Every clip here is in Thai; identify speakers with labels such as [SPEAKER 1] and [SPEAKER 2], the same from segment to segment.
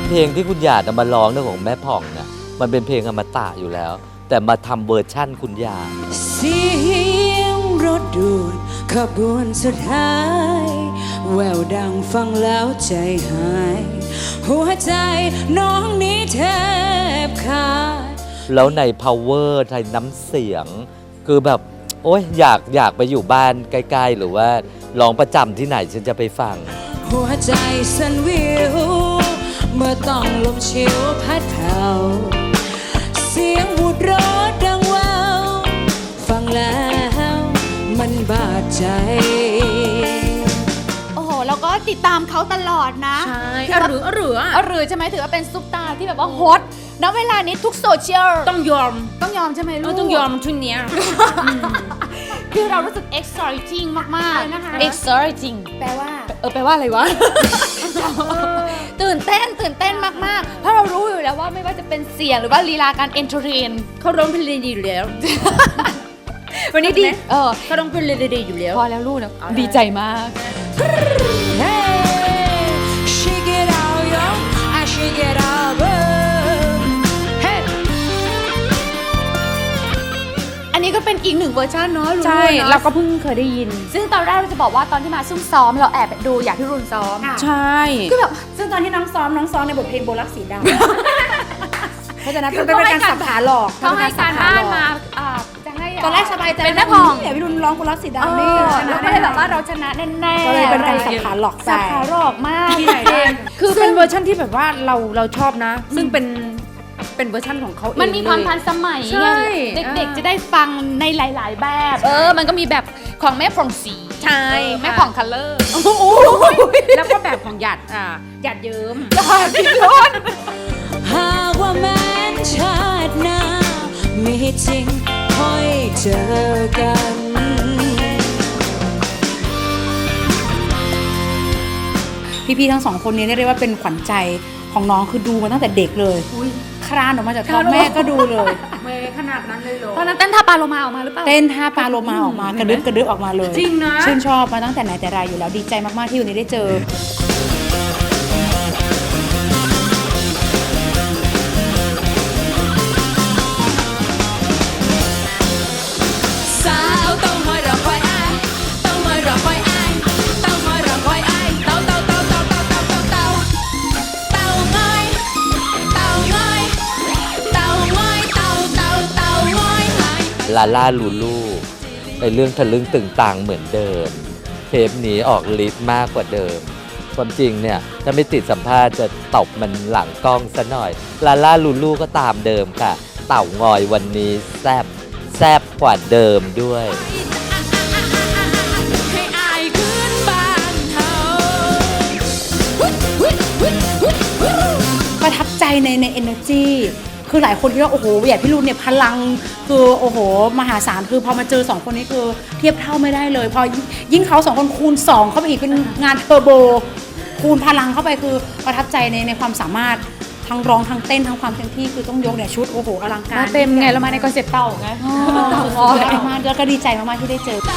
[SPEAKER 1] เพลงที่คุณหยาดเอามาร้องเรื่องของแม่ผ่องเนี่ยมันเป็นเพลงอมตะอยู่แล้ว แต่มาทำเวอร์ชั่นคุณหยาด
[SPEAKER 2] เสียงรถด่วนขบวนสุดท้ายแววดังฟังแล้วใจหายหัวใจน้องนี้แทบขาด
[SPEAKER 1] แล้วใน power ในน้ำเสียงคือแบบโอ๊ยอยากไปอยู่บ้านใกล้ๆหรือว่าร้องประจำที่ไหนฉันจะไปฟัง
[SPEAKER 2] หัวใจสั่นวิวเมื่อต้องลมชิวพัดเผาเสียงวูดร้อนดังว้าวฟังแล้วมันบาดใจ
[SPEAKER 3] โอ้โหแล้วก็ติดตามเขาตลอดนะ
[SPEAKER 4] ใช่หรือ
[SPEAKER 3] ใช่ไหมถือว่าเป็นซุปตาร์ที่แบบว่าฮอตณเวลานี้ทุกโซเชียล
[SPEAKER 4] ต้องยอม
[SPEAKER 3] ใช่ไหมลูก
[SPEAKER 4] ต้องยอมชุดเนี้ย
[SPEAKER 3] คือเรารู้สึก exciting มากๆนะคะ exciting แปลว่าอะไรวะ ตื่นเต้นมากๆเพราะเรารู้อยู่แล้วว่าไม่ว่าจะเป็นเสียงหรือว่าลีลาการเอนเตอร์เทน
[SPEAKER 4] เขาร้องเพลงดีอยู่แล้ว
[SPEAKER 3] วันนี้ดี
[SPEAKER 4] เขาร้องเพลงดีอยู่แล้ว
[SPEAKER 3] พอแล้วลูกนะดีใจมาก
[SPEAKER 2] Shake it out yo I shake it out
[SPEAKER 3] อันนี้ก็เป็นอีกหนึ่งเวอร์ชันเนาะ
[SPEAKER 4] ใช่เราก็เพิ่งเคยได้ยิน
[SPEAKER 3] ซึ่งตอนแรกเราจะบอกว่าตอนที่มาซุ่มซ้อมเราแอบดูอยากที่รุนซ้อม
[SPEAKER 4] ใช่
[SPEAKER 3] ก็แบบ
[SPEAKER 4] ซึ่งตอนที่น้องซ้อมในบทเพลงโบลักสีดำเพราะฉะนั้นเป็นการสับขาหลอก
[SPEAKER 3] เขาให้การบ้านมาจะให้
[SPEAKER 4] ตอนแรกสบายใจ
[SPEAKER 3] เป็นแม่ผ่อง
[SPEAKER 4] เนี่ยพี่รุนร้องโบลักสีดำนี่
[SPEAKER 3] ชนะก็เลยแบบว่าเราชนะแน่ๆ
[SPEAKER 4] ก็เลยเป็นการสับขาหลอก
[SPEAKER 3] สับขาหลอกมาก
[SPEAKER 4] ที่ไหนคือเป็นเวอร์ชันที่แบบว่าเราชอบนะซึ่งเป็นเวอร์ชันของเขาเอง
[SPEAKER 3] มันมีความทันสมัยเด็กๆจะได้ฟังในหลายๆแบบมันก็มีแบบของแม่ผ่องสี
[SPEAKER 4] ใช่
[SPEAKER 3] แม่ผ่องคัลเลอร์
[SPEAKER 4] แล้วก็แบบของหยาดเยิ้ม
[SPEAKER 3] พี่รุ่น
[SPEAKER 2] หากว่าแม้นชาติหน้ามีจริงค่อยเจอกัน
[SPEAKER 4] พี่ๆทั้งสองคนนี้เรียกว่าเป็นขวัญใจของน้องคือดูมาตั้งแต่เด็กเลยคลานออกมาจากท้องแม่ก็ดูเลย
[SPEAKER 3] ขนาดนั้นเลยเหรอตอนนั้นเต้นท่าปลาโลมาออกมาหรือเปล่า
[SPEAKER 4] เต้นท่าปลาโลมาออกมากระดึ๊บออกมาเลย
[SPEAKER 3] จริงนะ
[SPEAKER 4] ชื่นชอบมาตั้งแต่ไหนแต่ไรอยู่แล้วดีใจมากๆที่วันนี้ได้เจอ
[SPEAKER 1] ลาล่าลูลูในเรื่องทะลึ่งตึงตังเหมือนเดิมเทปนี้ออกฤทธิ์มากกว่าเดิมความจริงเนี่ยถ้าไม่ติดสัมภาษณ์จะตบมันหลังกล้องซะหน่อยลาล่าลูลูก็ตามเดิมค่ะเต่างอยวันนี้แซบกว่าเดิมด้วย
[SPEAKER 4] ประทับใจใน energyคือหลายคนคิดว่าโอ้โหหยาดพี่รุ่นเนี่ยพลังคือโอ้โหมหาศาลคือพอมาเจอ2คนนี้คือเทียบเท่าไม่ได้เลยพอยิ่งเขา2คนคูณ2เข้าไปอีกเป็นงานเทอร์โบคูณพลังเข้าไปคือประทับใจในความสามารถทั้งร้องทั้งเต้นทั้งความเต็มที่คือต้องยกเนี่ยชุดโอ้โหอลังการ
[SPEAKER 3] เต็มไงแล้วมาในคอนเซ็ปต์เต่าไง
[SPEAKER 4] มากแล้วก็ดีใจมากๆที่ได้เจอ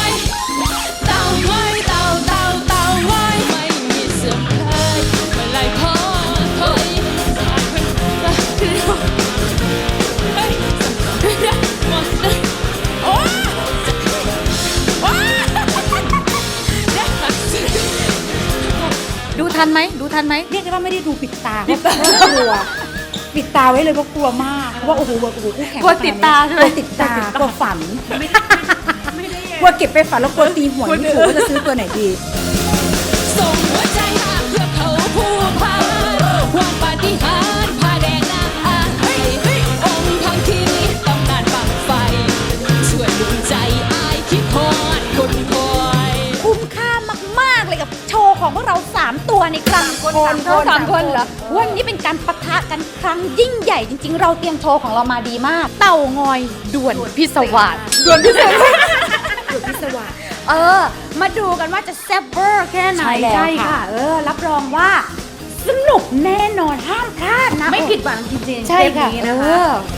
[SPEAKER 3] ดูทันไหม
[SPEAKER 4] เรียกได้ว่าไม่ได้ดูปิดตาเพราะกลัวปิดตาไว้เลยเพราะกลัวมากว่าโอ้โหคู่แข่ง
[SPEAKER 3] กลัวติดตาใช่ไหม
[SPEAKER 4] ติดตากลัวฝันกลัวเก็บไปฝันแล้วกลัวตีหัวไม่ถูกว่าจะซื้อตัวไหนดี
[SPEAKER 2] ส่งหัวใจหาเพื่อเขาผู้พาความปาฏิหาริย์พาแดงนาองค์ทั้งที่ต้องการบังไฟช่วยดวงใจอายคิดทอดคนคอย
[SPEAKER 3] คุ้มค่ามากๆเลยกับโชว์ของพวกเรา3ตัวในครั้ง3คนเหรอวันนี้เป็นการปะทะกันครั้งยิ่งใหญ่จริงๆเราเตรียมโชว์ของเรามาดีมากเต่างอยด่วนพิศวาสมาดูกันว่าจะแซ่บเวอร์แค่ไหนใช่ค่ะรับรองว่าสนุกแน่นอนห้ามพลาดนะ
[SPEAKER 4] ไม่ผิดหวังจริงๆ
[SPEAKER 3] ใช่ค่ะ